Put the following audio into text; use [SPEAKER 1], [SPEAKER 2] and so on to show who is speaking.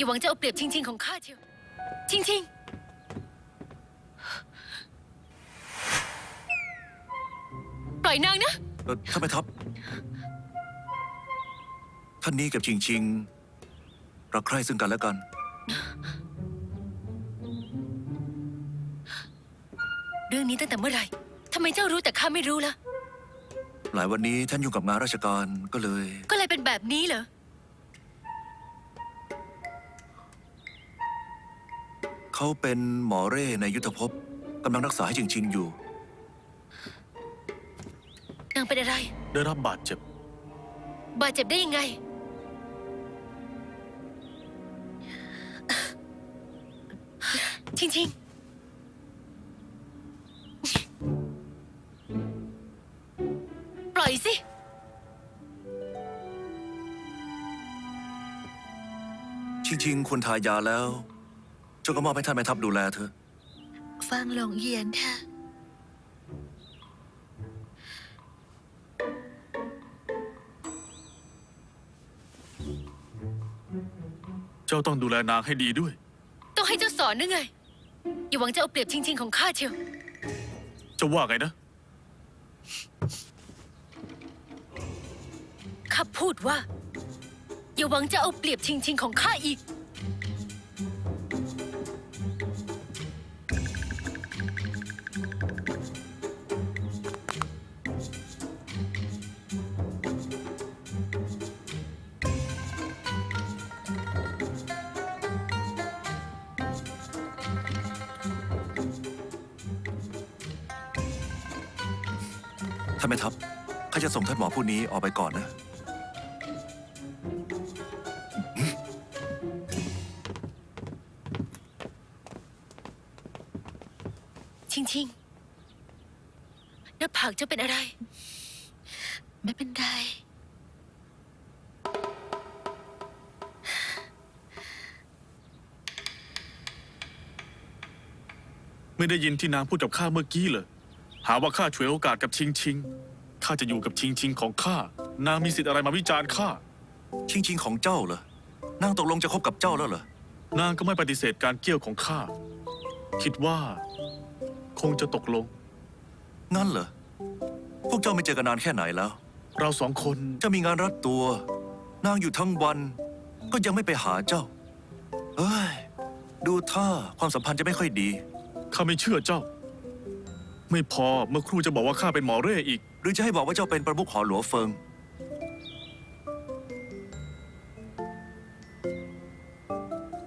[SPEAKER 1] หวังจะเอาเปรียบชิงชิงของข้าเชียวชิงชิงปล่อยนางนะ
[SPEAKER 2] ท่านแม่ทัพท่านนี้กับชิงชิงรักใคร่ซึ่งกันและกัน
[SPEAKER 1] เรื่องนี้ตั้งแต่เมื่อไหร่ทำไมเจ้ารู้แต่ข้าไม่รู้ล่ะ
[SPEAKER 2] หลายวันนี้ท่านยุ่งกับงานราชการก็เลย
[SPEAKER 1] เป็นแบบนี้เหรอ
[SPEAKER 2] เขาเป็นหมอเร่ในยุทธภพกำลังรักษาให้ชิงชิงอยู่
[SPEAKER 1] นางเป็นอะไร
[SPEAKER 3] ได้รับบาดเจ็บ
[SPEAKER 1] ได้ยังไงชิงชิงปล่อยสิ
[SPEAKER 2] ชิงชิงควรทายาแล้วเจ้าก็มอบให้ท่านแม่ทัพดูแลเธอ
[SPEAKER 1] ฟังหลงเยียนค่ะ
[SPEAKER 3] เจ้าต้องดูแลนางให้ดีด้วย
[SPEAKER 1] ต้องให้เจ้าสอนด้วยไงอย่าหวังจะเอาเปรียบชิงชิงของข้าเชียว
[SPEAKER 3] เจ้าว่าไงนะ
[SPEAKER 1] ข้าพูดว่าอย่าหวังจะเอาเปรียบชิงชิงของข้าอีก
[SPEAKER 2] ท่านแม่ทัพข้าจะส่งท่านหมอผู้นี้ออกไปก่อนนะ
[SPEAKER 1] ชิงชิงหน้าผากเจ้าเป็นอะไรไม่เป็นไร
[SPEAKER 3] ไม่ได้ยินที่นางพูดกับข้าเมื่อกี้เลยหาว่าข้าฉวยโอกาสกับชิงชิงข้าจะอยู่กับชิงชิงของข้านางมีสิทธิ์อะไรมาวิจารณ์ข้า
[SPEAKER 2] ชิงชิงของเจ้าเหรอนางตกลงจะคบกับเจ้าแล้วเหรอน
[SPEAKER 3] างก็ไม่ปฏิเสธการเกี่ยวของข้าคิดว่าคงจะตกลง
[SPEAKER 2] งั้นเหรอพวกเจ้าไม่เจอกันนานแค่ไหนแล้ว
[SPEAKER 3] เราสองคน
[SPEAKER 2] จะมีงานรัดตัวนางอยู่ทั้งวันก็ยังไม่ไปหาเจ้าเอ้ยดูท่าความสัมพันธ์จะไม่ค่อยดี
[SPEAKER 3] ข้าไม่เชื่อเจ้าไม่พอเมื่อครู่จะบอกว่าข้าเป็นหมอเร่อีก
[SPEAKER 2] หรือจะให้บอกว่าเจ้าเป็นประมุขหอหลวงเฟิง